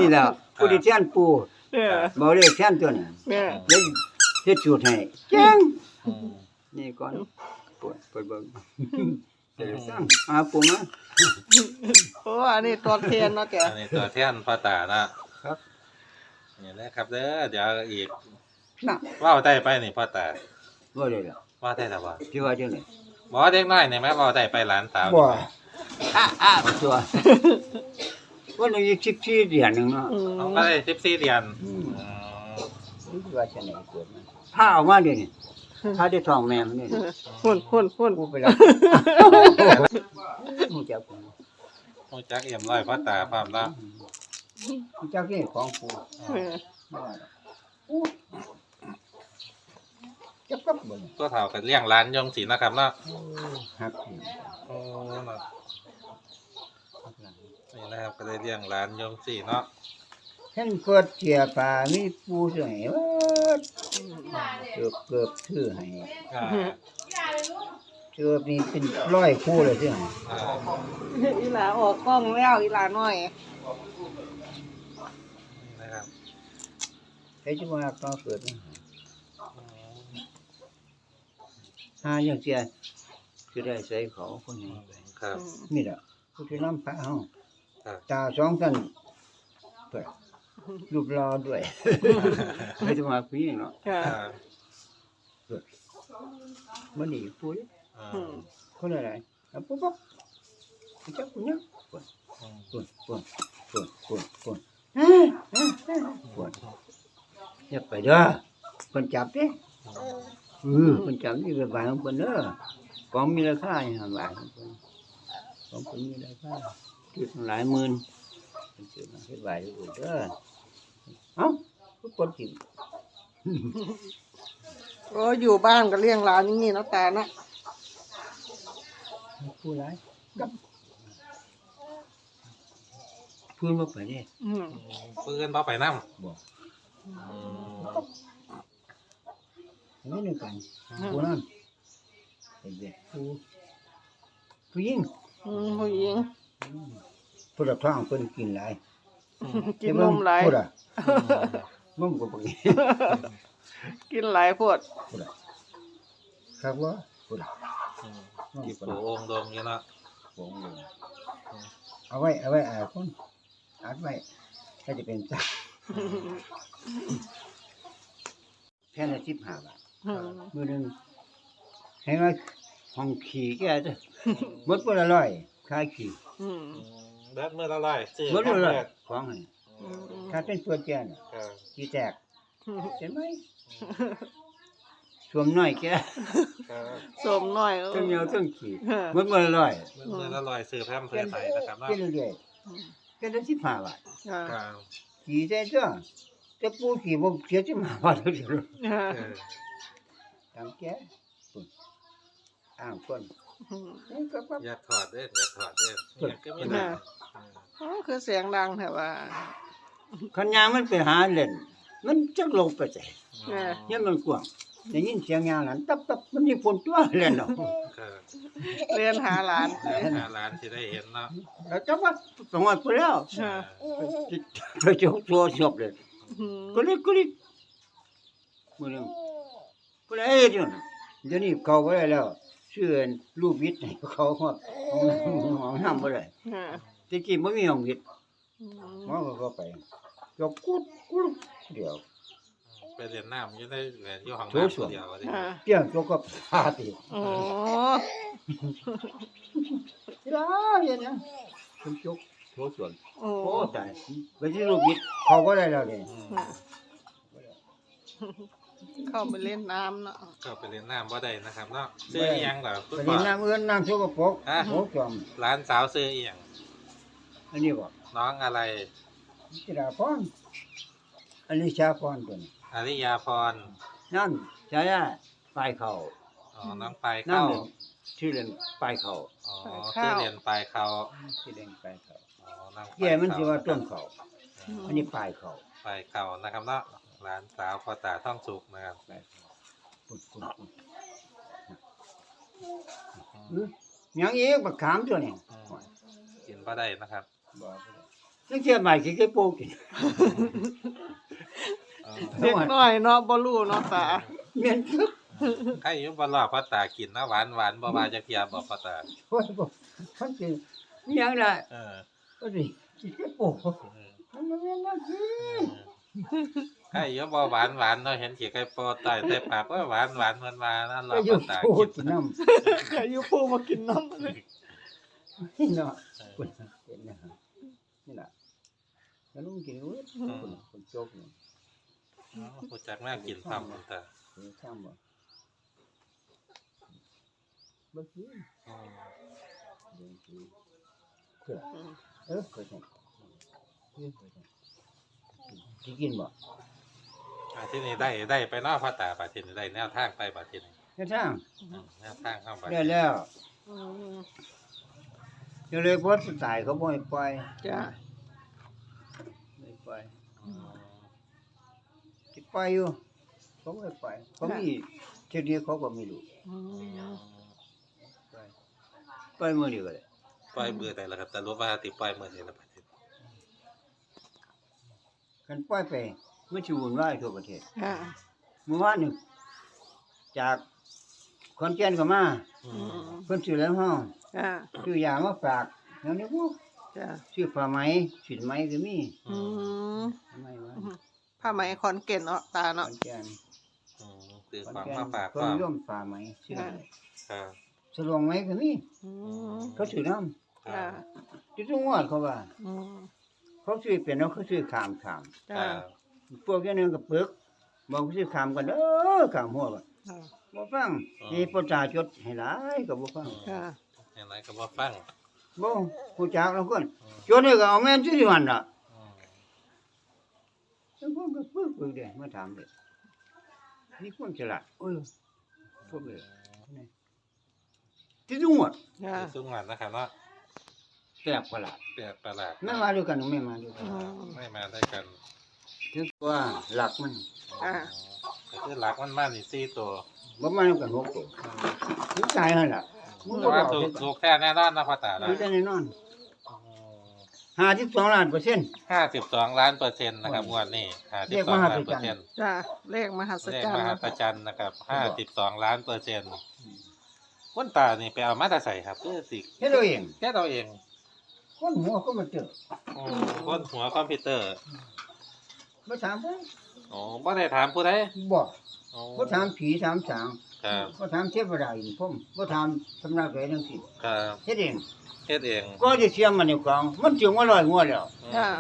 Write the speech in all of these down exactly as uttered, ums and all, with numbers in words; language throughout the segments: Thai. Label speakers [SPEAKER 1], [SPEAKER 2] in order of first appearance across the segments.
[SPEAKER 1] นี่แหละผู้ที่แทนปู
[SPEAKER 2] เออ
[SPEAKER 1] บ่เรียกแทนตัวนี้
[SPEAKER 2] เออ
[SPEAKER 1] เฮ็ดเฮ็ดสูตรให้เจ๋ง
[SPEAKER 3] อืม
[SPEAKER 1] นี่ก่อนปวดปวดเบิ่งเดี๋ยวสั่งหาปูมา
[SPEAKER 2] โอ้อันนี้ตัวเทียนเนาะจ้ะ
[SPEAKER 3] อันนี้ตัวแทนพ่อตานะครับ นี่แหละครับเด้อเดี๋ยวอีก
[SPEAKER 1] น่ะ
[SPEAKER 3] ว่าวได้ไปนี่พ่อตา
[SPEAKER 1] บ่ได้ล่ะ
[SPEAKER 3] ว่าได้แล้วบ่
[SPEAKER 1] สิว่าจังได๋
[SPEAKER 3] บ่เด็กน้อยนี่แม่ว่าวได้ไปหลานสาว
[SPEAKER 1] บ่อ้าอ้าตัววันนี้อีกสิบสี่เดือนหนึงเนาะ
[SPEAKER 2] อืม
[SPEAKER 3] เขาก็ได้สิบสี่เดือน
[SPEAKER 1] อืม
[SPEAKER 3] อืม
[SPEAKER 1] สิว่าจังได๋เกิดมันพาออกมาเดี๋ยวนี้พาได้ท้องแม่มันนี่
[SPEAKER 2] หุ่นหุ่นหุ่น
[SPEAKER 1] กูไปแล้วมึงจับกู
[SPEAKER 3] ฮู้จักเอี่ยมร้อยพ่อตาพร้อมแล้ว
[SPEAKER 1] มึงจับนี่ของกู
[SPEAKER 2] เออ
[SPEAKER 1] บ่ว่าดอกอู้จับกับบ่เนี่ย
[SPEAKER 3] ตัวเฒ่าก็เลี้ยงหลานยงศิลป์นะครับเนาะ
[SPEAKER 1] ฮักนี่
[SPEAKER 3] โอ้เนาะ
[SPEAKER 1] ฮักหลัง
[SPEAKER 3] นี่นะครับก็ได้เลี้ยงหลานยงศิลป์เนาะ
[SPEAKER 1] เห็นเกิดเจียป่ามีปูเสือให้เบิดเกือบเกือบซื้อให้
[SPEAKER 3] อ่า
[SPEAKER 1] เกือบนี่เป็นร้อยคู่เลยซื้อให้
[SPEAKER 3] อ่า
[SPEAKER 2] อีหลาออกกล้องแล้วอีหลาน้อย
[SPEAKER 3] นี่นะครับ
[SPEAKER 1] ใครจะว่าก็เกิดนะ
[SPEAKER 3] อืม
[SPEAKER 1] หาอย่างเสียจะได้ใส่เขาคนนี้ไป
[SPEAKER 3] ครับ
[SPEAKER 1] นี่แหละผู้ที่นำพระเฮา
[SPEAKER 3] ครับ
[SPEAKER 1] ตาสองกันเปิดรูปรอด้วย ไม่จะมาคุยเนาะ
[SPEAKER 2] ค่ะ
[SPEAKER 3] อ่า
[SPEAKER 1] มันนี่ปุ้ย
[SPEAKER 3] อ่า
[SPEAKER 2] อืม
[SPEAKER 1] คนอะไรอ่ะปุ๊บปุ๊บจับกูเนี่ยปวด
[SPEAKER 3] อืม
[SPEAKER 1] ปวดปวดปวดปวดปวดปวดอย่าไปเด้อคนจับดิเออคนจับนี่เป็นบายของคนเด้อของมีราคาอย่างบายของคนของคนมีราคาคือหลายหมื่นเป็นเสือมาให้บายอยู่เด้อเอ้าทุกคนกิน
[SPEAKER 2] โอ้อยู่บ้านก็เลี้ยงหลานอย่างนี้เนาะตาเนาะ
[SPEAKER 1] ผู้ร้ายกับพื้นมาไปเนี่ย
[SPEAKER 2] อืม
[SPEAKER 3] ปืนบ่ไปนำ
[SPEAKER 1] บอก
[SPEAKER 3] อืม
[SPEAKER 1] อันนี้หนึ่งกันผู้นั้นเป็นเด็กผู้ผู้หญิง
[SPEAKER 2] อืมผู้หญิง
[SPEAKER 1] ผู้รับท้องเพิ่นกินหลาย
[SPEAKER 2] กินนมหลาย
[SPEAKER 1] ผู้ละนมก็บ่กิน
[SPEAKER 2] กินหลายพวด
[SPEAKER 1] ผู้ละครับว่าผู้ละ
[SPEAKER 3] อืม
[SPEAKER 1] นม
[SPEAKER 3] กิบ
[SPEAKER 1] ผู้
[SPEAKER 3] โป
[SPEAKER 1] ละ
[SPEAKER 3] องค์ดงอยู่เนาะ
[SPEAKER 1] บ่งเลยเอาไว้เอาไว้อ่าคนอัดไว้ถ้าจะเป็นจ้าแค่ละสิบห้าบาท
[SPEAKER 2] อืม
[SPEAKER 1] มื้อหนึงให้ว่าห้องขี่แกจ้ะหมดบ่ละร้อยขายขี่
[SPEAKER 2] อืม
[SPEAKER 3] อืมเบิดมื้อละร้อยซื้อ
[SPEAKER 1] หมดบ่ละร้อย
[SPEAKER 3] แรก
[SPEAKER 1] ของให้
[SPEAKER 2] อืม
[SPEAKER 1] ถ้าเป็นตัวแกน่ะ
[SPEAKER 3] ครับ
[SPEAKER 1] ขี่แตกเห็นไหมสวมน้อยแก
[SPEAKER 3] ครับ
[SPEAKER 2] สมหน่อยเออ
[SPEAKER 1] ทั้งเหนียวทั้งขี่
[SPEAKER 2] เออ
[SPEAKER 1] หมดบ่ละร้อย
[SPEAKER 3] เบิดมื้อละร้อยซื้อแพมเพื่อไทยนะครับเนาะ
[SPEAKER 1] กินเรื่อยๆกินได้สิบห้าบาท
[SPEAKER 2] ค่ะ
[SPEAKER 3] ครับ
[SPEAKER 1] ขี่ได้จ้ะแต่ปูขี่บ่เสียสิบห้าบาทเดียว
[SPEAKER 2] ค่ะ
[SPEAKER 3] เออ
[SPEAKER 1] ตามแกปุ่นอ้างคน
[SPEAKER 2] อืม
[SPEAKER 1] นี่ก็ปั๊บ
[SPEAKER 3] อย่าถอดเด้ออย่าถอดเด้อเนี่ยก็มีนะ
[SPEAKER 2] โอ้คือเสียงดังแต่ว่า
[SPEAKER 1] คันยางมันไปหาเล่น มันจักลงไปใส่
[SPEAKER 2] เออ
[SPEAKER 1] เนี่ยมันกว้างได้ยินเสียงยางนั้นตับตับมันมีคนตัวเล่นเนาะ
[SPEAKER 3] ครับ
[SPEAKER 2] เรียนหาหลาน
[SPEAKER 3] หาร้านที่ได้เห็นเนาะ
[SPEAKER 1] แล้วจักว่าสองวันไปแล้ว
[SPEAKER 2] ค่ะ
[SPEAKER 1] ไปเจ้าตัวชอบเลย
[SPEAKER 2] อืม
[SPEAKER 1] ก็เลยก็เลยมื้อนึงก็เลยเฮ็ดอยู่น่ะเดี๋ยวนี้เขาบ่ได้แล้วชื่อรูปวิทย์ให้เขาฮอดห้องน้ำบ่ได้
[SPEAKER 2] ค่ะ
[SPEAKER 1] แตะกี้บ่มีห้องวิทย์
[SPEAKER 2] อืม
[SPEAKER 1] หมอก็เข้าไปก็กุดกุดเดี๋ยว
[SPEAKER 3] ไปเรียนน้ำอยู่ในแหวนอยู่ห้อง
[SPEAKER 1] โถส้วม
[SPEAKER 3] น้ำเดียวว่าดิ
[SPEAKER 2] ค่ะ
[SPEAKER 1] เตี้ยตัวก็พาติ
[SPEAKER 2] โอ้
[SPEAKER 1] ลาเฮ็ดหยังคุณจกโถส่วน
[SPEAKER 2] โอ้
[SPEAKER 1] โอ้ตายไปที่รูปวิทย์เขาบ่ได้แล้วนี่
[SPEAKER 3] อืม
[SPEAKER 2] เข้าไปเล่นน้ำเนาะ
[SPEAKER 3] ก็ไปเรียนน้ำบ่ได้นะครับเนาะซื้ออีหยังเหรอคุณ
[SPEAKER 1] ไป
[SPEAKER 3] พ่อ
[SPEAKER 1] เล่นน้ำเอื้อนน้ำสกปรก
[SPEAKER 3] ฮะ
[SPEAKER 1] โถจอม
[SPEAKER 3] ร้านสาวซื้ออีหยัง
[SPEAKER 1] อันนี้บ่
[SPEAKER 3] น้องอะไร
[SPEAKER 1] จิราพรอันนี้ชาพรตัวนี้
[SPEAKER 3] อริยาพร
[SPEAKER 1] นั่นชายาปลายเขา
[SPEAKER 3] อ๋อน้องปลาย
[SPEAKER 1] นั่น
[SPEAKER 3] เข้า
[SPEAKER 1] เลยชื่อเล่นปลายเขา
[SPEAKER 3] อ๋อชื่อเรียนปลายเขา
[SPEAKER 1] ชื่อเล่นปลายเขา
[SPEAKER 3] อ๋อน้องปลาย
[SPEAKER 1] แก่มันสิว่าต้นเขา
[SPEAKER 2] อืม
[SPEAKER 1] อันนี้ปลายเขา
[SPEAKER 3] ปลายเขานะครับเนาะร้านสาวพ่อตาท่องสุกนะครับ
[SPEAKER 1] ปลายเขาปุดปุดปุดอื้อหยังอีกบักขามตัวนี้
[SPEAKER 3] อืมกินบ่ได้นะครับ
[SPEAKER 1] บ่บ่ได้นักเที่ยวใหม่สิได้โปกิน
[SPEAKER 3] เออ
[SPEAKER 2] เด็กน้อยเนาะบ่รู้เนาะตา
[SPEAKER 1] แม่นคึก
[SPEAKER 3] ใครอยู่บ่รอพ่อตากินนะหวานหวานบ่ว่าจักเที่ยบ่พ่อตา
[SPEAKER 1] โอ้ยบ่มันสิมีหยังล่ะ
[SPEAKER 3] เออ
[SPEAKER 1] ก็สิสิได้โป
[SPEAKER 3] เออ
[SPEAKER 1] มันบ่แม่นจังซี่
[SPEAKER 3] ใครอยู่บ่หวานหวานเนาะเห็นขี้ไก่โปใต้ใส่ปากว่าหวานหวานเพิ่นว่านั่นรอ
[SPEAKER 1] ก็อยู่
[SPEAKER 3] พ่อตา
[SPEAKER 1] โป
[SPEAKER 3] กิน
[SPEAKER 1] กินน้ำ
[SPEAKER 2] อายุปูมากินน้ำเลย
[SPEAKER 1] นี่เนาะคุณเห็นนะฮะนี่ล่ะแล้วลุงกินเว้ยคุณคุณโจกนี่
[SPEAKER 3] อ๋อผู้จักแม่กินพร้อมพ่อตา
[SPEAKER 1] คือช่างบ่บ่กิน
[SPEAKER 3] อืม
[SPEAKER 1] เดี๋ยวสิเพื่อเออเพื่อจังเออเพื่อจังสิกินบ่
[SPEAKER 3] อ่าที่นี่ได้ได้ไปเนาะพ่อตาบัดทีนี้ได้แนวทางไปบัดทีนี้
[SPEAKER 1] เฮ็ดช่าง
[SPEAKER 3] อืมแนวทางเข้าไป
[SPEAKER 1] ได้แล้ว
[SPEAKER 2] อืม
[SPEAKER 1] เดี๋ยวเลยบ่ตายเขาบ่ให้ปล่อย
[SPEAKER 2] จ้า
[SPEAKER 1] ไม่ปล่อย
[SPEAKER 3] อืม
[SPEAKER 1] สิปล่อยอยู่เขาบ่ให้ปล่อยเขามีเที่ยวนี้เขาก็ไม่รู้
[SPEAKER 2] อืม
[SPEAKER 1] ปล่อยปล่อยมื้อเดียวก็ได้
[SPEAKER 3] ปล่อยมือได้แล้วครับแต่รู้ว่าติปล่อยมือได้แล้วบัดทีนี้
[SPEAKER 1] คันปล่อยไปมันสิวุ่นวายทั่วประเทศ
[SPEAKER 2] ค่ะ
[SPEAKER 1] เมื่อวานนี่จากขอนแก่นก็มา
[SPEAKER 3] อื
[SPEAKER 2] อื
[SPEAKER 3] ม
[SPEAKER 2] ม
[SPEAKER 1] เพิ่นซื้อแล้วห้อง
[SPEAKER 2] จ้า
[SPEAKER 1] ซื้อยามาฝากแล้วนี่พวก
[SPEAKER 2] จ้า
[SPEAKER 1] ซื้อผ้าไหมสินไหมก็มี
[SPEAKER 2] อืม
[SPEAKER 1] ทำไมวะ
[SPEAKER 2] ผ้าไหมขอนเก่นเนาะตา
[SPEAKER 1] ขอ
[SPEAKER 2] เนาะ
[SPEAKER 1] นแก่น
[SPEAKER 3] อืมคือ
[SPEAKER 1] ขอน
[SPEAKER 3] ของ
[SPEAKER 1] แก่น
[SPEAKER 3] มาฝาก
[SPEAKER 1] เพิ่
[SPEAKER 3] ก็
[SPEAKER 1] นร่วมผ้าไหมซื้อ
[SPEAKER 2] ค่ะ
[SPEAKER 3] ครับ
[SPEAKER 1] สลองไหมก็มี
[SPEAKER 2] อืม
[SPEAKER 1] เขาซื้อน้
[SPEAKER 3] ครั
[SPEAKER 2] จ้า
[SPEAKER 3] บ
[SPEAKER 1] ำที่ทุกงวดเขาว่า
[SPEAKER 2] อืม
[SPEAKER 1] เขาซื้อเป็นแล้วเขาซื้อขามขาม
[SPEAKER 3] ค
[SPEAKER 2] จ้า
[SPEAKER 3] รับ
[SPEAKER 1] พวกอย่างนึงก็ปึกบอกเขาซื้อขามกันเด้อขามหัวบ่
[SPEAKER 2] ค่ะ
[SPEAKER 1] บ่ฟังนี่ประชาชนให้หลายก็บ่ฟัง
[SPEAKER 2] ค่ะ
[SPEAKER 3] เห็นไหมก็บ่ฟัง
[SPEAKER 1] บ่ผู้จักแล้วคน
[SPEAKER 3] อืม
[SPEAKER 1] จนนี่ก็เอาแม่นซื้อหั่นล่ะ
[SPEAKER 3] อืม
[SPEAKER 1] แล้วผมก็ปึกปึกเด้มาถามเด้นี่คนฉลาดเออพวกเด้นี่ที่ทุกงวด
[SPEAKER 2] จ้า
[SPEAKER 3] คือซุ้มงานนะครับเนาะ
[SPEAKER 1] แปลกประหลาด
[SPEAKER 3] แปลกประหลาด
[SPEAKER 1] ไม่มาด้วยกันไม่มาด้วยกั
[SPEAKER 2] อื
[SPEAKER 1] น
[SPEAKER 2] ม
[SPEAKER 3] ไม่มาด้วยกัน
[SPEAKER 1] ถึงว่าหลักมัน
[SPEAKER 2] อ่า
[SPEAKER 3] ก็คือหลักมันมานี่สี่ตัว
[SPEAKER 1] บ่มาด้วยกันหกตัวถึงตายนั่นล่ะมึง
[SPEAKER 3] แต่
[SPEAKER 1] ก็บ
[SPEAKER 3] ว่า
[SPEAKER 1] อก
[SPEAKER 3] ถูก
[SPEAKER 1] เด้
[SPEAKER 3] ถูกแท้แน่นอนนะพ่อตา
[SPEAKER 1] คือได้แน่นอน
[SPEAKER 3] อืม
[SPEAKER 1] ห้าสิบสองล้านเปอร์เซ็นต์
[SPEAKER 3] ห้าสิบสองล้านเปอร์เซ็นต์นะครับงวดนี้ห้าสิ
[SPEAKER 1] เรี
[SPEAKER 3] บ
[SPEAKER 1] ยก
[SPEAKER 3] สอง
[SPEAKER 1] มหั
[SPEAKER 3] ล้าน
[SPEAKER 1] ศ
[SPEAKER 3] เปอ
[SPEAKER 1] จรรย์
[SPEAKER 3] ร์เซ็นต์
[SPEAKER 2] จ้าเลขมหัศ
[SPEAKER 3] เลข
[SPEAKER 2] จรร
[SPEAKER 3] ม
[SPEAKER 2] ย์
[SPEAKER 3] หั
[SPEAKER 2] นะ
[SPEAKER 3] ศจรรย์นะครับห้าสิบสองล้านเปอร์เซ็นต์คนตานี่ไปเอามาแตาใส่ครับคือสิ
[SPEAKER 1] เฮ็ดเอาเอง
[SPEAKER 3] แค่เราเอง
[SPEAKER 1] คนหัวก็มาเจอ
[SPEAKER 3] อืมคนหัวคอมพิวเตอร์
[SPEAKER 1] บ่ถามเพิ่น
[SPEAKER 3] อ๋อบ่ได้ถามผู้ใด
[SPEAKER 1] บ่
[SPEAKER 3] อ๋อ
[SPEAKER 1] บ่ถามผีถามสาง
[SPEAKER 3] ครับ
[SPEAKER 1] บ่ถามเทพดาอินพรหมบ่ถามสำนักใดทั้งสิ้น
[SPEAKER 3] ครับ
[SPEAKER 1] เฮ็ดเอง
[SPEAKER 3] เฮ็ดเอง
[SPEAKER 1] ก็จะเสียมันในกองมันถึงว่าร้อยงวดแล้ว
[SPEAKER 3] อืม
[SPEAKER 2] จ้า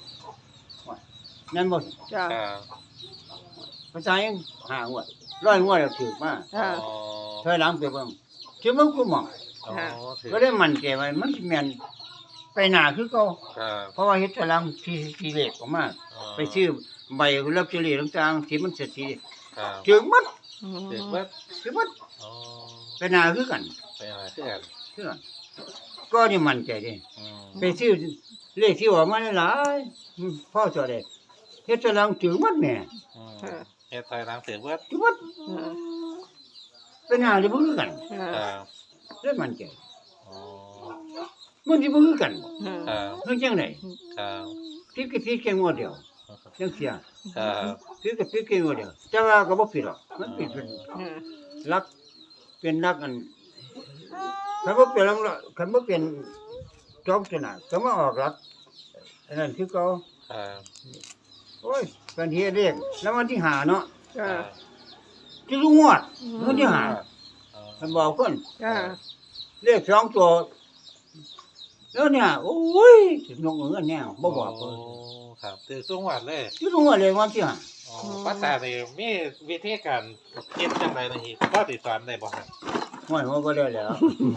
[SPEAKER 1] นั่นบ่
[SPEAKER 2] จ้า
[SPEAKER 3] ครับ
[SPEAKER 1] ภาษายังห้างวดร้อยงวดแล้วถูกมา
[SPEAKER 2] จ้า
[SPEAKER 3] อ๋อ
[SPEAKER 1] ถอยหลังไปเบิ่งถึงมันกูมอง
[SPEAKER 3] อ๋อ
[SPEAKER 2] ค่ะ
[SPEAKER 3] ถือ
[SPEAKER 1] ก็ได้มั่นใจว่ามันสิแม่นไปหน้าคือเก่า
[SPEAKER 3] ครับ
[SPEAKER 1] เพราะว่าเฮ็ดถอยหลังที่ที่เลขออกมา
[SPEAKER 3] อ๋อ
[SPEAKER 1] ไปซื้อใบลอตเตอรี่ต่างๆที่มันเสถียร
[SPEAKER 3] ครับ
[SPEAKER 1] ถึงหมด
[SPEAKER 2] อืม
[SPEAKER 3] ถือว่า
[SPEAKER 1] ถึงหมด
[SPEAKER 3] อ๋อ
[SPEAKER 1] ไปหน้าคือกัน
[SPEAKER 3] ไปอะไรที่กัน
[SPEAKER 1] คือกันก็นี่มั่นใจเด้
[SPEAKER 3] อืม
[SPEAKER 1] ไปซื้อเลขที่ออกมาหลายๆอืมพ่อสอได้เฮ็ดถอยหลังถึงหมดแหม่
[SPEAKER 3] อืมเฮ็ดถอยหลังถือว่า
[SPEAKER 1] ถึงหมด
[SPEAKER 2] อืม
[SPEAKER 1] ไปหน้าจะบ่คือกัน
[SPEAKER 2] ค่ะ
[SPEAKER 3] ครับ
[SPEAKER 1] ได้มั่นใจ
[SPEAKER 3] อ๋อ
[SPEAKER 1] มันสิบ่คือกันบ่
[SPEAKER 2] อืม
[SPEAKER 3] ครับ
[SPEAKER 1] เฮ็ดจังได๋
[SPEAKER 3] ครับ
[SPEAKER 1] ผิดก็ผิดแค่งวดเดียวจังเสีย
[SPEAKER 3] ครับ
[SPEAKER 1] ผิดก็ผิดแค่งวดเดียวแต่ว่าก็บ่ผิดหรอกมันผิดเป็น
[SPEAKER 2] อืม
[SPEAKER 1] ลักเป็นลักอันคันบ่เป็นลักคันบ่เป็นจอมชนะก็มาออกลักอันนั้นคือเก่า
[SPEAKER 3] ครับ
[SPEAKER 1] โอ้ยเป็นเฮ็ดเลขแล้ววันที่ห้าเนาะ
[SPEAKER 2] จ้า
[SPEAKER 1] ที่รู้งวดวันที่ห้า
[SPEAKER 3] อ๋อ
[SPEAKER 1] มันบอกคน
[SPEAKER 2] จ้า
[SPEAKER 1] เลขสองตัวแล้วเนี่ยโอ้ยสินกเงินแนวบ่บอกเพิ่น
[SPEAKER 3] โอ้ครับถือสูงหวัดเลย
[SPEAKER 1] ที่รู้งวดเลยวันที่ห้า
[SPEAKER 3] อ๋อป้าตานี่มีวิธีการคิดจังไดนะฮีพ่อติดสอนได้บ่ครับ
[SPEAKER 1] ห้วยหัวก็ได้แล้ว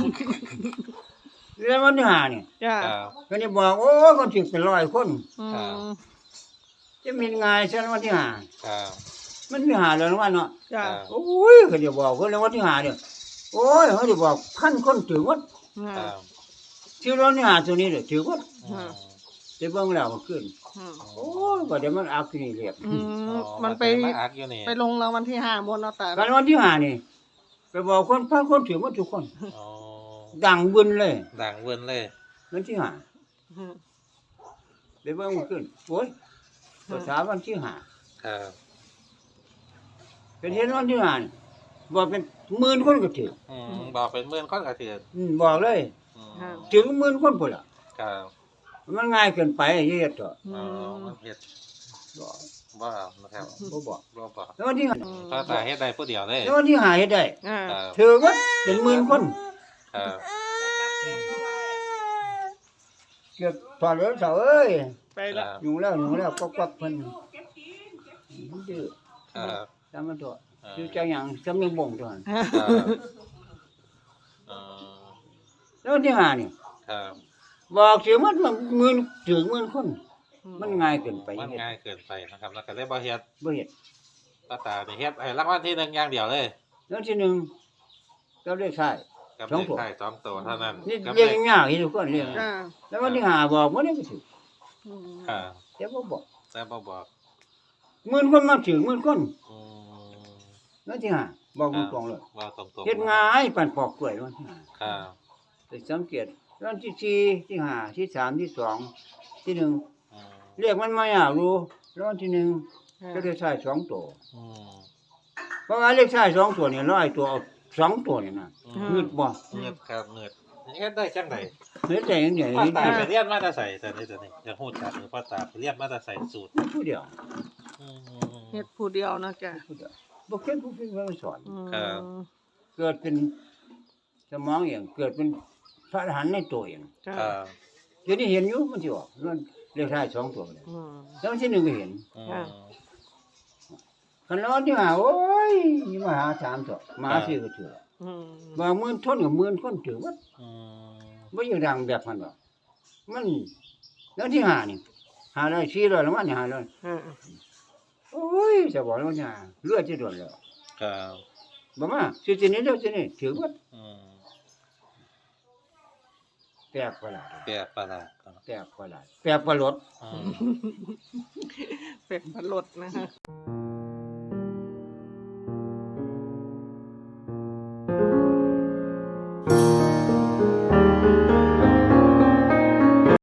[SPEAKER 1] แล้ววันที่ห้านี่
[SPEAKER 2] จ้า
[SPEAKER 3] ครับ
[SPEAKER 1] ก็นี่บอกโอ้ยคนสิเป็นร้อยคน
[SPEAKER 2] อื
[SPEAKER 3] ครับ
[SPEAKER 2] ม
[SPEAKER 1] จะมีงานฉันวันที่ห้า
[SPEAKER 3] ครับ
[SPEAKER 1] มันมีหาแล้ววันเนาะ
[SPEAKER 2] จ้า
[SPEAKER 1] โอ้ยเขาจะบอกเพิ่นแล้ววันที่ห้าเนี่ยโอ้ยเขาจะบอกพันคนถือว่า
[SPEAKER 2] อืม
[SPEAKER 3] ครับ
[SPEAKER 1] ที่เรานี่หาตัวนี้เนี่ยถือว่า
[SPEAKER 3] อืม
[SPEAKER 1] จะเบิ่งแล้วมันขึ้น
[SPEAKER 2] อืม
[SPEAKER 1] โอ้ยก็เดี๋ยวมันอักที่นี่เรียบ
[SPEAKER 2] อื
[SPEAKER 3] อ๋
[SPEAKER 2] ม
[SPEAKER 3] อ
[SPEAKER 2] มันไป
[SPEAKER 3] มาอักอยู่นี่
[SPEAKER 2] ไปลงรางวัลที่ห้าบนเนาะตา
[SPEAKER 1] การวันที่ห้านี่ไปบอกคนพันคนถือว่าทุกคน
[SPEAKER 3] อ๋อ
[SPEAKER 1] ดังบึนเลย
[SPEAKER 3] ดังเวินเลย
[SPEAKER 1] วันที่ห้า
[SPEAKER 2] อืม
[SPEAKER 1] ไปเบิ่งขึ้นโอ้ยภาษาวันที่ห้า
[SPEAKER 3] ครับ
[SPEAKER 1] เป็นเห็นวันที่ห้านี่บอกเป็นหมื่นคนก็ถือ
[SPEAKER 3] อืมบอกเป็นหมื่นคนก็ถือ
[SPEAKER 1] อืมบอกเลย
[SPEAKER 3] อืม
[SPEAKER 2] ค่ะ
[SPEAKER 1] ถึงหมื่นคนพุ่นล่ะ
[SPEAKER 3] ครับ
[SPEAKER 1] มันง่ายเกินไปเฮ็ดเถอะ
[SPEAKER 2] อื
[SPEAKER 3] อ๋อ
[SPEAKER 2] ม
[SPEAKER 3] มันเฮ็ด
[SPEAKER 1] บอก
[SPEAKER 3] บ่เอานะครับ
[SPEAKER 1] บ่บอก
[SPEAKER 3] บ่บอก
[SPEAKER 1] แล้ววันที่ห้า
[SPEAKER 3] พ่อตาเฮ็ดได้ผู้เดียวเลย
[SPEAKER 1] แล้ววันที่ห้าเฮ็ดได้
[SPEAKER 2] อ่า
[SPEAKER 3] ครับ
[SPEAKER 1] ถือว่าเป็นหมื่นคน
[SPEAKER 3] ครับ
[SPEAKER 1] เกือบถอดแล้วเสาเอ้ย
[SPEAKER 2] ไป
[SPEAKER 3] ค
[SPEAKER 2] ละ
[SPEAKER 3] รับ
[SPEAKER 1] อยู่แล้วอยู่แล้วก็กวักเพิ่นมันดื้อ
[SPEAKER 3] ครับ
[SPEAKER 1] ทำมันตัวคือจังหยังสำนึกบ่งตัวนั้น
[SPEAKER 3] ครับอ๋อ
[SPEAKER 1] แล้ววันที่ห้านี่
[SPEAKER 3] ครับ
[SPEAKER 1] บอกสิมันมันหมื่นถึงหมื่นคน มันง่ายเกินไป
[SPEAKER 3] มันง่ายเกินไปนะครับแล้วก็เลยบ่เฮ็ด
[SPEAKER 1] บ่เฮ็ด
[SPEAKER 3] พ่อตานี่เฮ็ดให้รางวัลที่หนึ่งอย่างเดียวเลย
[SPEAKER 1] แล้วที่หนึ่งก็ได้ใช่
[SPEAKER 3] กับ
[SPEAKER 1] สอง
[SPEAKER 3] เลข
[SPEAKER 1] ตัว
[SPEAKER 3] ท้ายสองตัวเท่านั้น
[SPEAKER 1] นี่
[SPEAKER 3] กับ
[SPEAKER 1] เรียก
[SPEAKER 3] เลข
[SPEAKER 1] ง่ายๆทุกคนเรียก
[SPEAKER 2] อ่า
[SPEAKER 1] แล้ววันที่ห้าบอกบ่ได้ก็ถือ
[SPEAKER 2] อืม
[SPEAKER 3] ครับ
[SPEAKER 1] แต่บ่บอก
[SPEAKER 3] แต่บ่บอก
[SPEAKER 1] หมื่นคนมาถึงหมื่นคน
[SPEAKER 3] อืม
[SPEAKER 1] แล้วที่ห้าบอกตรงๆเลย
[SPEAKER 3] ว่าตรงๆ
[SPEAKER 1] เฮ็ดง่ายปานปอกกล้วยวันที่ห้า
[SPEAKER 3] ครับ
[SPEAKER 1] ไปสังเกตวันที่สี่ที่ห้าที่สามที่สองที่หนึ่ง
[SPEAKER 3] อืม
[SPEAKER 1] เรียกมันมาอยากรู้แล้ววันที่หนึ่ง
[SPEAKER 2] อ่า
[SPEAKER 1] ก็ได้ใช้สองตัว
[SPEAKER 3] อืม
[SPEAKER 1] เพราะว่าเลขใช้สองตัวนี่ร้อยตัวเอาสองตัวนี่นะ
[SPEAKER 3] อืม
[SPEAKER 1] งึดบ่
[SPEAKER 3] เงิดครับเงิดเฮ็ดได้จังได
[SPEAKER 1] เฮ็ดได้จังได๋
[SPEAKER 3] พ่อตาไปเรียนมาแต่ใส่แต่นี่แต่นี่อย่าฮู้จักหรือพ่อตาไปเรียนมาแต่ใส่สูตร
[SPEAKER 1] ผู้เดียว
[SPEAKER 3] อืม
[SPEAKER 2] เฮ็ดผู้เดียวนะจ้ะ
[SPEAKER 1] ผู้เดียวบ่เคยผู้เพิ่นมาสอน
[SPEAKER 2] อืม
[SPEAKER 3] ครับ
[SPEAKER 1] เกิดเป็นสมองเองเกิดเป็นพระอรหันต์ในตัวเอง
[SPEAKER 2] จ้ะ
[SPEAKER 3] ครับ
[SPEAKER 1] เดี๋ยวนี้เห็นอยู่มันสิออกมันเลขท้ายสองตัวเลย
[SPEAKER 2] อืม
[SPEAKER 1] แล้ววันที่หนึ่งก็เห็น
[SPEAKER 3] อื
[SPEAKER 2] ค่ะ
[SPEAKER 3] ม
[SPEAKER 1] คันแล้ววันที่ห้าโอ้ยนี่มาหาสามตัวมาสี่ก็ถือ
[SPEAKER 2] อืม
[SPEAKER 1] บางหมื่นทนกับหมื่นคนถือว่า
[SPEAKER 3] อืม
[SPEAKER 1] บ่อยู่ดังแบบมันหรอกมันแล้วที่ห้านี่ห้าร้อยสี่ร้อยแล้วมันนี่ห้าร้อย
[SPEAKER 2] อ่า
[SPEAKER 1] โอ้ยจะบอกแล้วเนี่ยเลือดจะโดนแล้ว
[SPEAKER 3] ครับ
[SPEAKER 1] บ่มาสิสินี้เด้อสินี้ถือว่า
[SPEAKER 3] อืม
[SPEAKER 1] แปลกประหลาด
[SPEAKER 3] แปลกประหลาดครับ
[SPEAKER 1] แปลกประหลาดแปลกประหลด
[SPEAKER 3] อืม
[SPEAKER 2] เป็ดพะลดนะฮะ